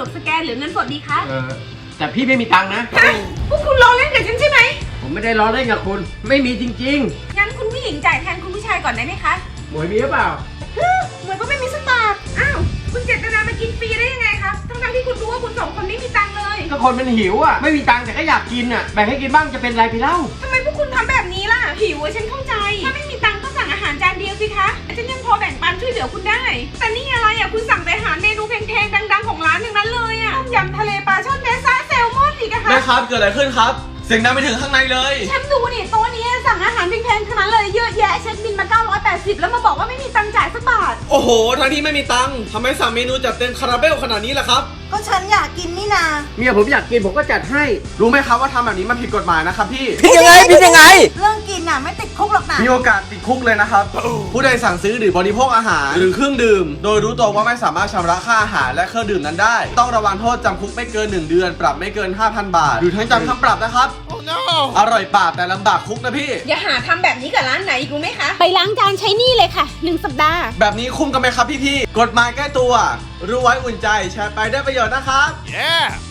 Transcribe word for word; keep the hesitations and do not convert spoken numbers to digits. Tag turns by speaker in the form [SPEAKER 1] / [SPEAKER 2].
[SPEAKER 1] วกสแกนหรือเงินสดดีคะ
[SPEAKER 2] เออแต่พี่ไม่มีตังค์นะ
[SPEAKER 1] ฮะพวกคุณล้อเล่นกับฉันใช่ไหม
[SPEAKER 2] ผมไม่ได้ล้อเล่นกับคุณไม่มีจริง
[SPEAKER 1] งั้นคุณผู้หญิงจ่ายแทนคุณผู้ชายก่อนได้ไหมคะ
[SPEAKER 2] ๆหมวยมีหรือเปล่า
[SPEAKER 1] ฮึเหมือนก็ไม่มีสักบาทอ้าวคุณเจตนามากินฟรีได้ยังไงคะทั้งๆที่คุณรู้ว่าคุณสองคนไม่มีตังค์เลย
[SPEAKER 2] ก็คนมันหิวอ่ะไม่มีตังค์แต่ก็อยากกินอ่ะแบ่งให้กินบ้างจะเป็นไรไปเล่า
[SPEAKER 1] ทำไมพวกคุณทำแบบนี้ล่ะหิวอะฉันเข้าใจถ้าไม่มีตังค์ก็สั่งอาหารจานเดียวสิคะฉันยังพอแบ่งปันช่วยเหลือคุณได้แต่นี่อะไรอ่ะคุณสั่งแต่อาหารเมนูแพงๆดังๆของร้านอย่างนั้นเลยอ่ะต้มยำทะเลปลาช่อนเนซ่าแซลมอนอีกอะคะ
[SPEAKER 3] แม่ครับเกิดอะไรขึ้นครับเสียงดังไปถึงข้างในเลย
[SPEAKER 1] ฉันดูนี่โต๊ะนี้สั่งอาหารแพงๆทั้งนั้นเลยเยอะแยะเช็คบินมาเก้าร้อยแปดสิบแล้วมาบอกว่าไม่มีตังค์จ่ายสักบาท
[SPEAKER 3] โอ้โหทั้งที่ไม่มีตังค์ทำไมสั่งเมนูจัดเต็มคาราเบลขนาดนี้ล่ะครับ
[SPEAKER 4] ก็ฉันอยากกินนี่นา
[SPEAKER 2] เมียผมอยากกินผมก็จัดให้
[SPEAKER 3] รู้ไหมครับว่าทำแบบนี้มันผิดกฎหมายนะครับพี่
[SPEAKER 5] ผิดยังไงผิดยังไง
[SPEAKER 4] เรื่องกินน่ะไม่ติดคุกหรอกนะ
[SPEAKER 3] มีโอกาสติดคุกเลยนะครับ ผู้ใดสั่งซื้อหรือบริโภคอาหารหรือเครื่องดื่ม โดยรู้ตัวว่าไม่สามารถชำระค่าอาหารและเครื่องดื่มนั้นได้ ต้องระวังโทษจำคุกไม่เกินหนึ่งเดือนปรับไม่เกิน ห้าพัน บาท หรือทั้งจำทั้งปรับนะครับ อร่อยปากแต่ลำบากคุกนะพี่
[SPEAKER 1] อย่าหาทำแบบนี้กับร้านไหนอีกรู้ไหมคะไปล้างจานใช้นี่เลยค่ะหนึ่งสัปดาห์
[SPEAKER 3] แบบนี้คุ้มกันไหมครับพี่ๆกฎหมายใกล้ตัว รู้ไว้อุ่นใจแชร์ไปได้ประโยชน์นะครับ
[SPEAKER 6] Yeah